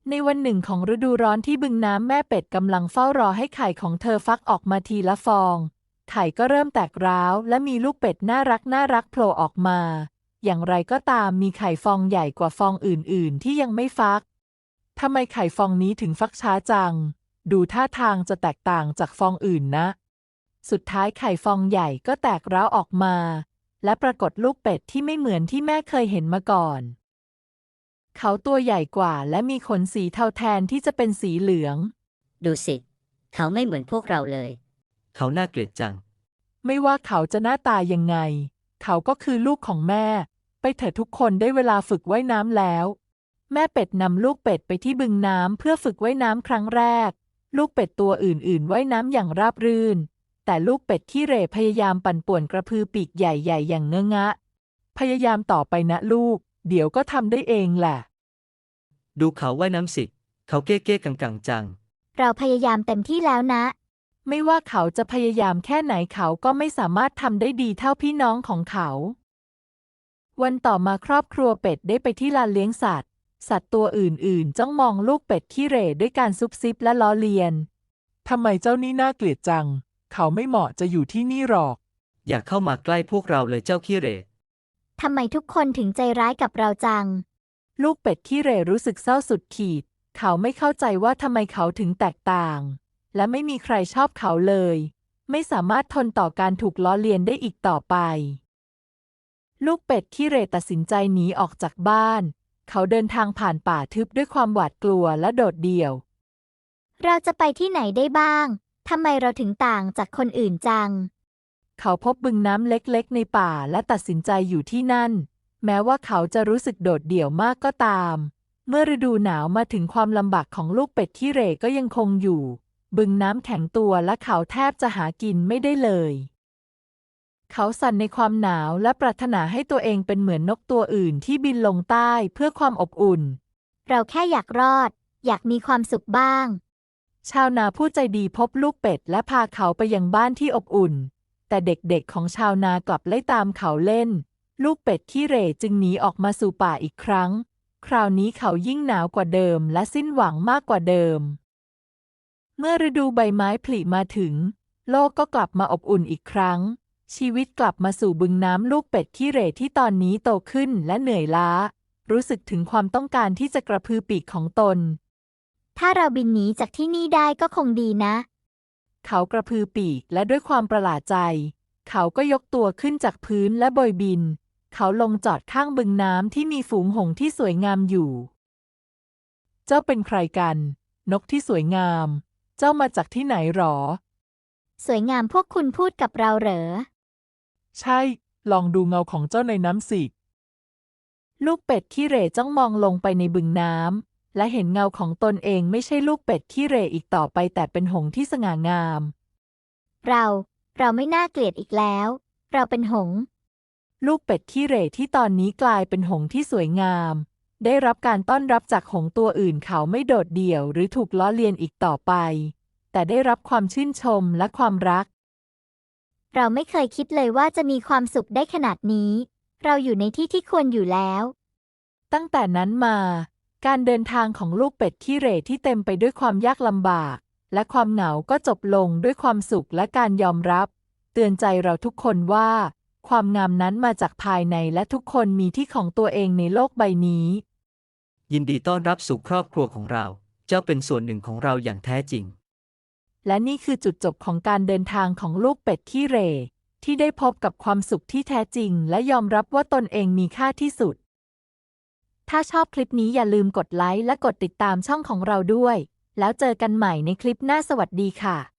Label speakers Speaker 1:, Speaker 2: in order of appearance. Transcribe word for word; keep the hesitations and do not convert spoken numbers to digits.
Speaker 1: ในวันหนึ่งของฤดูร้อนที่บึงน้ำแม่เป็ดกำลังเฝ้ารอให้ไข่ของเธอฟักออกมาทีละฟองไข่ก็เริ่มแตกร้าวและมีลูกเป็ดน่ารักน่ารักโผล่ออกมาอย่างไรก็ตามมีไข่ฟองใหญ่กว่าฟองอื่นๆที่ยังไม่ฟักทำไมไข่ฟองนี้ถึงฟักช้าจังดูท่าทางจะแตกต่างจากฟองอื่นนะสุดท้ายไข่ฟองใหญ่ก็แตกร้าวออกมาและปรากฏลูกเป็ดที่ไม่เหมือนที่แม่เคยเห็นมาก่อนเขาตัวใหญ่กว่าและมีขนสีเทาแทนที่จะเป็นสีเหลือง
Speaker 2: ดูสิเขาไม่เหมือนพวกเราเลย
Speaker 3: เขาน่าเกลียดจัง
Speaker 1: ไม่ว่าเขาจะหน้าตายังไงเขาก็คือลูกของแม่ไปเถอะทุกคนได้เวลาฝึกว่ายน้ำแล้วแม่เป็ดนำลูกเป็ดไปที่บึงน้ำเพื่อฝึกว่ายน้ำครั้งแรกลูกเป็ดตัวอื่นๆว่ายน้ำอย่างราบรื่นแต่ลูกเป็ดขี้เหร่พยายามปั่นป่วนกระพือปีกใหญ่ๆอย่างเงอะงะพยายามต่อไปนะลูกเดี๋ยวก็ทำได้เองแหละ
Speaker 3: ดูเขาว่ายน้ำสิเขาเก้เก้กังกังจัง
Speaker 4: เราพยายามเต็มที่แล้วนะ
Speaker 1: ไม่ว่าเขาจะพยายามแค่ไหนเขาก็ไม่สามารถทำได้ดีเท่าพี่น้องของเขาวันต่อมาครอบครัวเป็ดได้ไปที่ลานเลี้ยงสัตว์สัตว์ตัวอื่นๆจ้องมองลูกเป็ดขี้เหร่ด้วยการซุบซิบและล้อเลียนทำไมเจ้านี่น่าเกลียดจังเขาไม่เหมาะจะอยู่ที่นี่หรอก
Speaker 3: อย่าเข้ามาใกล้พวกเราเลยเจ้าขี้เหร่
Speaker 4: ทำไมทุกคนถึงใจร้ายกับเราจัง
Speaker 1: ลูกเป็ดขี้เหร่รู้สึกเศร้าสุดขีดเขาไม่เข้าใจว่าทำไมเขาถึงแตกต่างและไม่มีใครชอบเขาเลยไม่สามารถทนต่อการถูกล้อเลียนได้อีกต่อไปลูกเป็ดขี้เหร่ตัดสินใจหนีออกจากบ้านเขาเดินทางผ่านป่าทึบด้วยความหวาดกลัวและโดดเดี่ยว
Speaker 4: เราจะไปที่ไหนได้บ้างทำไมเราถึงต่างจากคนอื่นจัง
Speaker 1: เขาพบบึงน้ำเล็กๆในป่าและตัดสินใจอยู่ที่นั่นแม้ว่าเขาจะรู้สึกโดดเดี่ยวมากก็ตามเมื่อฤดูหนาวมาถึงความลำบากของลูกเป็ดขี้เหร่ก็ยังคงอยู่บึงน้ำแข็งตัวและเขาแทบจะหากินไม่ได้เลยเขาสั่นในความหนาวและปรารถนาให้ตัวเองเป็นเหมือนนกตัวอื่นที่บินลงใต้เพื่อความอบอุ่น
Speaker 4: เราแค่อยากรอดอยากมีความสุขบ้าง
Speaker 1: ชาวนาผู้ใจดีพบลูกเป็ดและพาเขาไปยังบ้านที่อบอุ่นแต่เด็กๆของชาวนากลับไล่ตามเขาเล่นลูกเป็ดขี้เหร่จึงหนีออกมาสู่ป่าอีกครั้งคราวนี้เขายิ่งหนาวกว่าเดิมและสิ้นหวังมากกว่าเดิมเมื่อฤดูใบไม้ผลิมาถึงโลกก็กลับมาอบอุ่นอีกครั้งชีวิตกลับมาสู่บึงน้ำลูกเป็ดขี้เหร่ที่ตอนนี้โตขึ้นและเหนื่อยล้ารู้สึกถึงความต้องการที่จะกระพือปีกของตน
Speaker 4: ถ้าเราบินหนีจากที่นี่ได้ก็คงดีนะ
Speaker 1: เขากระพือปีกและด้วยความประหลาดใจเขาก็ยกตัวขึ้นจากพื้นและโบยบินเขาลงจอดข้างบึงน้ำที่มีฝูงหงส์ที่สวยงามอยู่เจ้าเป็นใครกันนกที่สวยงามเจ้ามาจากที่ไหนหรอ
Speaker 4: สวยงามพวกคุณพูดกับเราเหรอ
Speaker 1: ใช่ลองดูเงาของเจ้าในน้ำสิลูกเป็ดขี้เหร่จ้องมองลงไปในบึงน้ำและเห็นเงาของตนเองไม่ใช่ลูกเป็ดขี้เหร่อีกต่อไปแต่เป็นหงส์ที่สง่างาม
Speaker 4: เราเราไม่น่าเกลียดอีกแล้วเราเป็นหงส์
Speaker 1: ลูกเป็ดขี้เหร่ที่ตอนนี้กลายเป็นหงส์ที่สวยงามได้รับการต้อนรับจากหงส์ตัวอื่นเขาไม่โดดเดี่ยวหรือถูกล้อเลียนอีกต่อไปแต่ได้รับความชื่นชมและความรัก
Speaker 4: เราไม่เคยคิดเลยว่าจะมีความสุขได้ขนาดนี้เราอยู่ในที่ที่ควรอยู่แล้ว
Speaker 1: ตั้งแต่นั้นมาการเดินทางของลูกเป็ดขี้เหร่ที่เต็มไปด้วยความยากลำบากและความเหงาก็จบลงด้วยความสุขและการยอมรับเตือนใจเราทุกคนว่าความงามนั้นมาจากภายในและทุกคนมีที่ของตัวเองในโลกใบนี้
Speaker 3: ยินดีต้อนรับสู่ครอบครัวของเราเจ้าเป็นส่วนหนึ่งของเราอย่างแท้จริง
Speaker 1: และนี่คือจุดจบของการเดินทางของลูกเป็ดขี้เหร่ที่ได้พบกับความสุขที่แท้จริงและยอมรับว่าตนเองมีค่าที่สุดถ้าชอบคลิปนี้อย่าลืมกดไลค์และกดติดตามช่องของเราด้วยแล้วเจอกันใหม่ในคลิปหน้าสวัสดีค่ะ